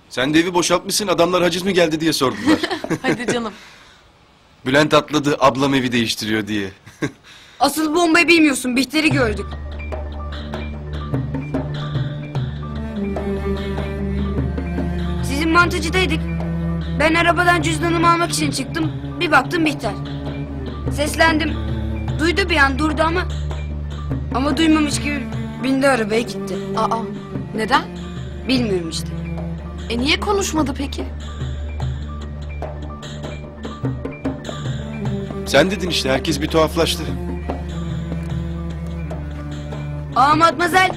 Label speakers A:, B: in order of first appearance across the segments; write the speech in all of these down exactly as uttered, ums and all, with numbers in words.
A: Sen de evi boşaltmışsın, adamlar haciz mi geldi diye sordular.
B: Hadi canım.
A: Bülent atladı, ablam evi değiştiriyor diye.
C: Asıl bombayı bilmiyorsun. Bihter'i gördük. Sizin mantıcıdaydık. Ben arabadan cüzdanımı almak için çıktım. Bir baktım Bihter. Seslendim. Duydu bir an, durdu ama... Ama duymamış gibi bindi arabaya gitti.
B: Aa, neden?
C: Bilmiyorum işte.
B: E niye konuşmadı peki?
A: Sen dedin işte, herkes bir tuhaflaştı.
C: Aa Matmazel.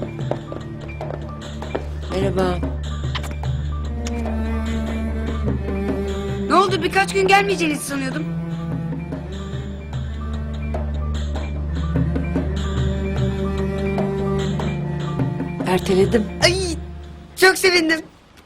D: Merhaba.
C: Ne oldu, birkaç gün gelmeyeceğinizi sanıyordum.
D: Erteledim.
C: Ay çok sevindim.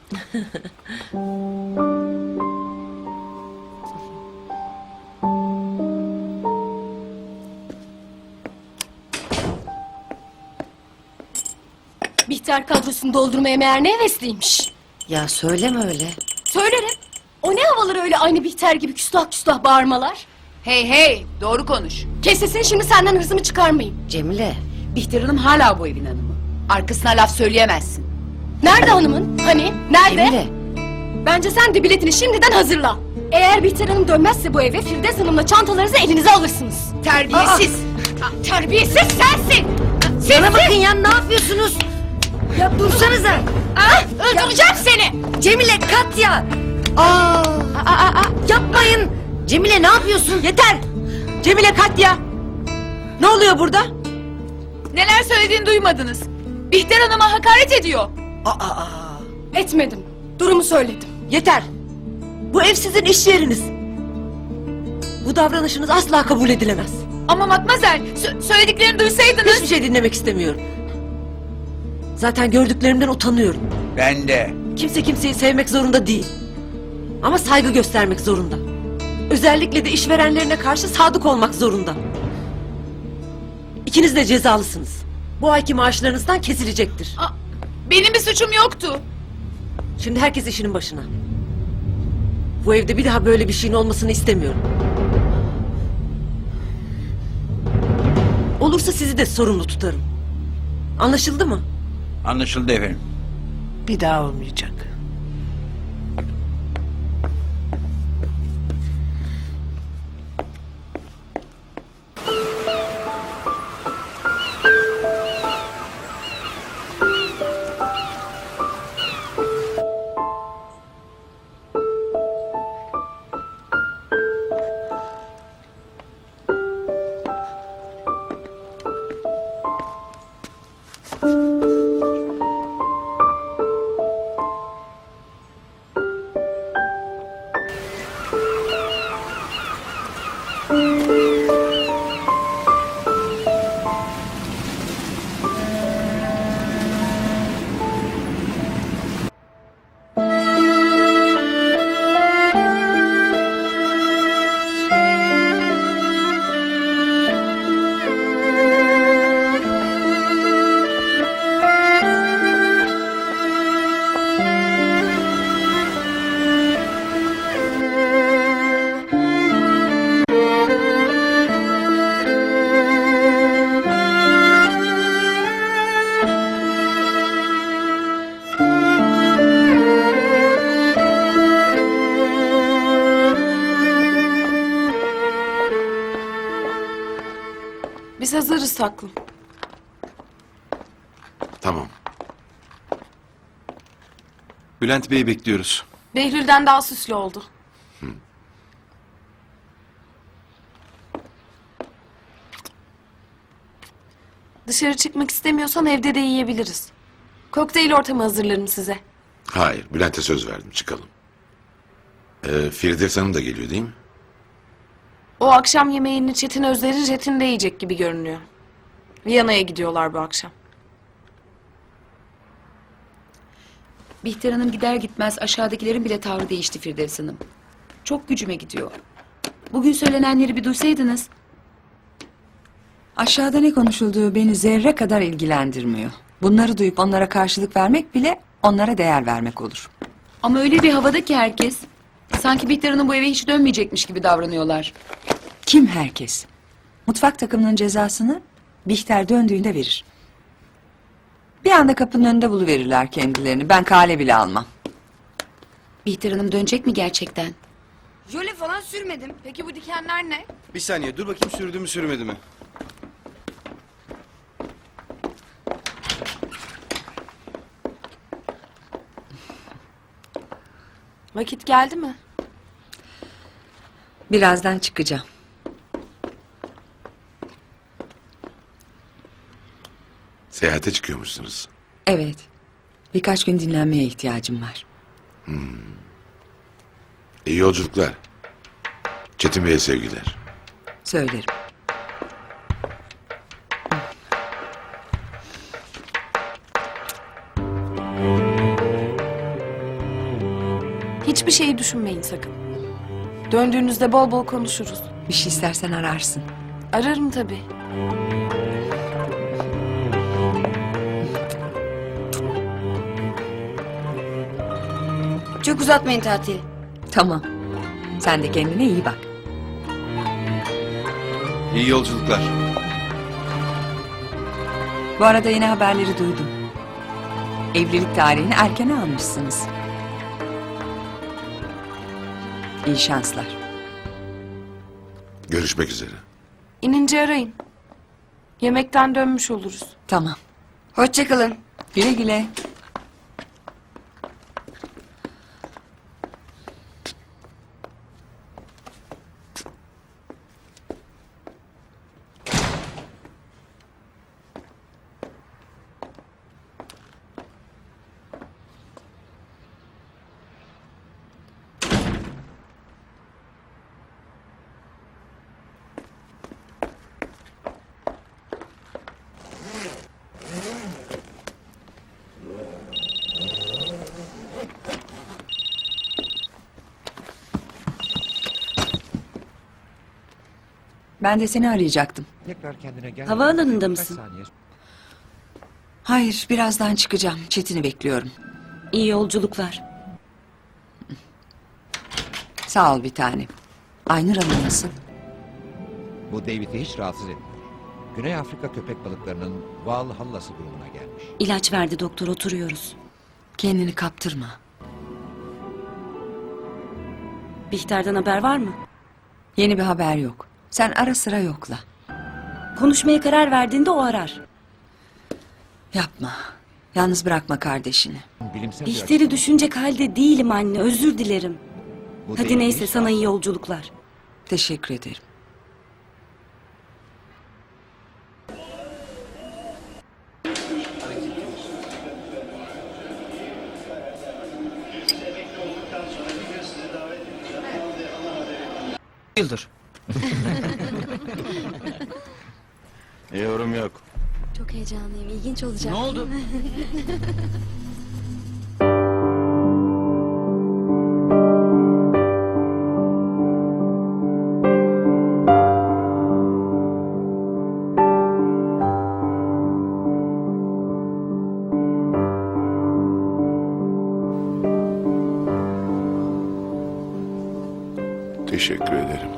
E: Bihter kadrosunu doldurmaya meğer ne hevesliymiş.
D: Ya söyleme öyle.
E: Söylerim. O ne havalar öyle aynı Bihter gibi küstah küstah bağırmalar.
F: Hey hey, doğru konuş.
E: Kes sesini, şimdi senden hırsımı çıkarmayayım.
D: Cemile.
F: Bihter Hanım hala bu evin hanımı. Arkasına laf söyleyemezsin.
E: Nerede hanımın? Hani? Nerede?
D: Cemile.
E: Bence sen de biletini şimdiden hazırla. Eğer Bihter Hanım dönmezse bu eve, Firdevs Hanım'la çantalarınızı elinize alırsınız.
F: Terbiyesiz.
E: Aa, terbiyesiz sensin.
C: Bana bakın ya, ne yapıyorsunuz? Ya dursanıza.
E: Aa, öldüreceğim seni.
C: Cemile, Katya. Aa,
E: Aa, aa, aa.
C: yapmayın. Cemile ne yapıyorsun?
D: Yeter! Cemile Katya! Ne oluyor burada?
F: Neler söylediğini duymadınız. Bihter Hanım'a hakaret ediyor.
D: Aa,
E: Etmedim. Durumu söyledim.
D: yeter! Bu ev sizin iş yeriniz. Bu davranışınız asla kabul edilemez.
F: Ama Matmazel, sö- söylediklerini duysaydınız...
D: Hiçbir şey dinlemek istemiyorum. Zaten gördüklerimden utanıyorum.
G: Ben de.
D: Kimse kimseyi sevmek zorunda değil. Ama saygı göstermek zorunda. Özellikle de işverenlerine karşı sadık olmak zorunda. İkiniz de cezalısınız. Bu ayki maaşlarınızdan kesilecektir.
F: Aa, benim bir suçum yoktu.
D: Şimdi herkes işinin başına. Bu evde bir daha böyle bir şeyin olmasını istemiyorum. Olursa sizi de sorumlu tutarım. Anlaşıldı mı?
G: Anlaşıldı efendim.
D: Bir daha olmayacak.
B: Biz hazırız taklım.
A: Tamam. Bülent Bey'i bekliyoruz.
B: Behlül'den daha süslü oldu. Dışarı çıkmak istemiyorsan evde de yiyebiliriz. Kokteyl ortamı hazırlarım size.
H: Hayır, Bülent'e söz verdim, çıkalım. Ee, Firdevs Hanım da geliyor değil mi?
B: O akşam yemeğini Çetin Özler'in jetinde yiyecek gibi görünüyor. Viyana'ya gidiyorlar bu akşam.
F: Bihter Hanım gider gitmez aşağıdakilerin bile tavrı değişti Firdevs Hanım. Çok gücüme gidiyor. Bugün söylenenleri bir duysaydınız.
I: Aşağıda ne konuşulduğu beni zerre kadar ilgilendirmiyor. Bunları duyup onlara karşılık vermek bile onlara değer vermek olur.
F: Ama öyle bir havada ki herkes. Sanki Bihter Hanım bu eve hiç dönmeyecekmiş gibi davranıyorlar.
I: Kim herkes? Mutfak takımının cezasını Bihter döndüğünde verir. Bir anda kapının önünde buluverirler kendilerini. Ben kale bile almam.
F: Bihter Hanım dönecek mi gerçekten?
C: Jöle falan sürmedim.
B: Peki bu dikenler ne?
A: Bir saniye dur bakayım sürdü mü sürmedi mi?
B: Vakit geldi mi?
I: Birazdan çıkacağım.
H: Seyahate çıkıyormuşsunuz.
I: Evet. Birkaç gün dinlenmeye ihtiyacım var.
H: İyi yolculuklar. Çetin Bey'e sevgiler.
I: Söylerim.
B: Hiçbir şeyi düşünmeyin sakın. Döndüğünüzde bol bol konuşuruz.
I: Bir şey istersen ararsın.
B: Ararım tabii.
C: Çok uzatmayın tatili.
I: Tamam. Sen de kendine iyi bak.
A: İyi yolculuklar.
I: Bu arada yeni haberleri duydum. Evlilik tarihini erken almışsınız. İyi şanslar.
H: Görüşmek üzere.
B: İnince arayın. Yemekten dönmüş oluruz.
I: Tamam.
C: Hoşçakalın.
I: Güle güle. Ben de seni arayacaktım.
J: Tekrar kendine gel.
E: Havaalanında
J: Kaç
E: mısın?
J: saniye
I: Hayır, birazdan çıkacağım. Çetin'i bekliyorum.
E: İyi yolculuklar.
I: Sağ ol bir tanem. Aynur Hanım nasıl?
J: Bu David'i hiç rahatsız etmiyor. Güney Afrika köpek balıklarının Valhalla'sı grubuna gelmiş.
E: İlaç verdi doktor, oturuyoruz.
I: Kendini kaptırma.
E: Bihter'den haber var mı?
I: Yeni bir haber yok. Sen ara sıra yokla.
E: Konuşmaya karar verdiğinde o arar.
I: Yapma. Yalnız bırakma kardeşini.
J: Bilimsel bir
E: Bihter'i
J: açıklama.
E: düşünecek halde değilim anne, özür dilerim.
J: Bu
E: Hadi
J: David'i
E: neyse,
J: hiç
E: sana
J: rahatsız
E: iyi yolculuklar.
I: Teşekkür ederim.
A: Yıldır. Yorum yok.
E: Çok heyecanlıyım, ilginç olacak.
A: Ne oldu?
H: Teşekkür ederim.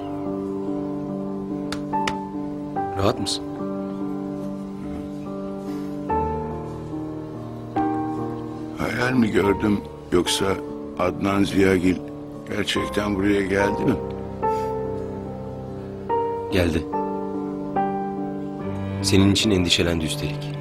A: Rahat mısın?
K: Hayal mi gördüm yoksa Adnan Ziyagil gerçekten buraya geldi mi?
L: Geldi. Senin için endişelendi üstelik.